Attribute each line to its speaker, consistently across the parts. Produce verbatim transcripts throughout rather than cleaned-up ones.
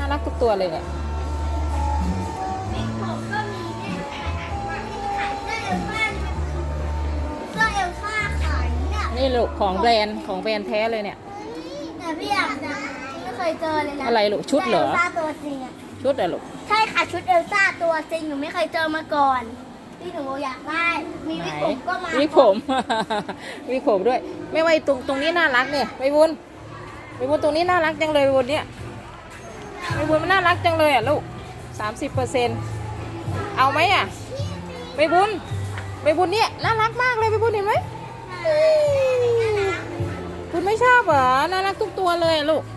Speaker 1: รักทุกตัวเลยเนี่ย
Speaker 2: บิ๊กผมก็มีเนี่ยขายขายเสื้อเอลซ่าเสื้อเอลซ่าขายเนี่ย
Speaker 1: นี่ลูกของแบรนด์ของแบรนด์แท้เลยเนี่ย
Speaker 2: แต่พี่อยากจะไม่เคยเจอเลยนะ
Speaker 1: อะไรลูกชุดเหรอ
Speaker 2: เอลซ่าตัวจริงอะ
Speaker 1: ชุดอะลูก
Speaker 2: ใช่ค่ะชุดเอลซ่าตัวจริงหนูไม่เคยเจอมาก่อนที่หนูอยากได้มีวิกผมก็มา
Speaker 1: วิกผม วิกผมด้วย ไม่ว่าตรงตรงนี้น่ารักเนี่ยไปบุญไปบุญตรงนี้น่ารักจังเลยไปบุญเนี่ยไปบุญมันน่ารักจังเลยอ่ะลูกสามสิบเปอร์เซ็นต์เอาไหมอ่ะไปบุญไปบุญเนี่ยน่ารักมากเลยไปบุญเห็นไหมคุณไม่ชอบเหรอน่ารักทุกตัวเลยอะลูก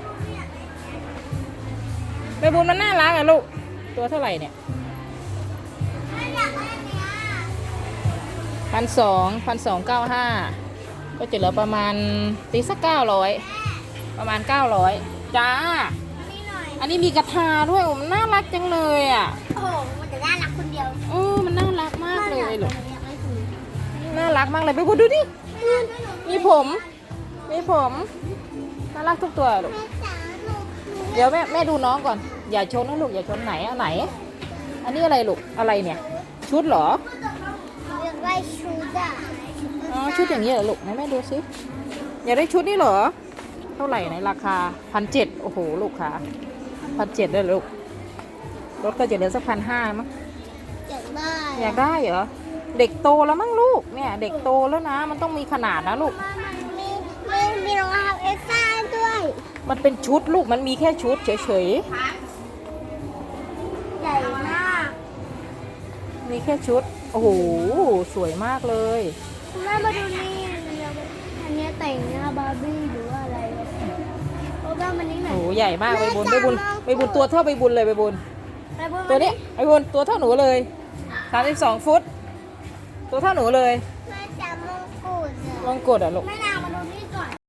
Speaker 1: ไปบุญมันน่ารักอ่ะลูกตัวเท่าไหร่เนี่ยพันสองพันสองเก้าห้าก็จะเหลือประมาณตีสักเก้าร้อยประมาณเก้าร้อยจ้าอันนี้มีกระทาด้วยมันน่ารักจังเลยอ่ะ
Speaker 2: โอ้โหมันจะน่ารักคนเดียว
Speaker 1: เออมันน่ารักมากเลยลูกน่ารักมากเลยไปดูดิมีผมมีผมน่ารักทุกตัวลูกเดี๋ยวแม่แม่ดูน้องก่อนอย่าชนนะลูกอย่าชนไหนอันไหน อันนี้อะไรลูกอะไรเนี่ยชุดเหรอ
Speaker 2: อยากได้ชุดอะ
Speaker 1: อ๋อชุดอย่างนี้เหรอลูกไหนแม่ดูสิอยากได้ชุดนี้เหรอเท่าไหร่ในราคาพันเจ็ดโอ้โหลูกค้าพันเจ็ดเลยลูกรถก็จะเหลือสักพันห้ามั้ง
Speaker 2: อยากได้
Speaker 1: อยากได้เหรอเด็กโตแล้วมั้งลูกเนี่ยเด็กโตแล้วนะมันต้องมีขนาดนะลูก
Speaker 2: มีมีมีรองเท้าเอลซ่าด้วย
Speaker 1: มันเป็นชุดลูกมันมีแค่ชุดเฉย
Speaker 2: ใหญ่มาก
Speaker 1: ๆมีแค่ชุดโอ้โหสวยมากเลย
Speaker 2: คุณแม่มาดูนี่อันเนี้ยแต่งหน้าบาร์บี้หรือว่าอะไรโอ้บ้ามันนี่ไหน
Speaker 1: โอ้โหใหญ่มากใบบุญใบบุญใบบุญตัวเท่าใบบุญเลยใบบุญ
Speaker 2: ไปบุญ
Speaker 1: ตัวนี้ใบบุญตัวเท่าหนูเลยสามสิบสองฟุตตัวเท่าหนูเลย
Speaker 2: แม่จำมงกุฎ
Speaker 1: ลองกดอ่ะลูก
Speaker 2: แม่นาง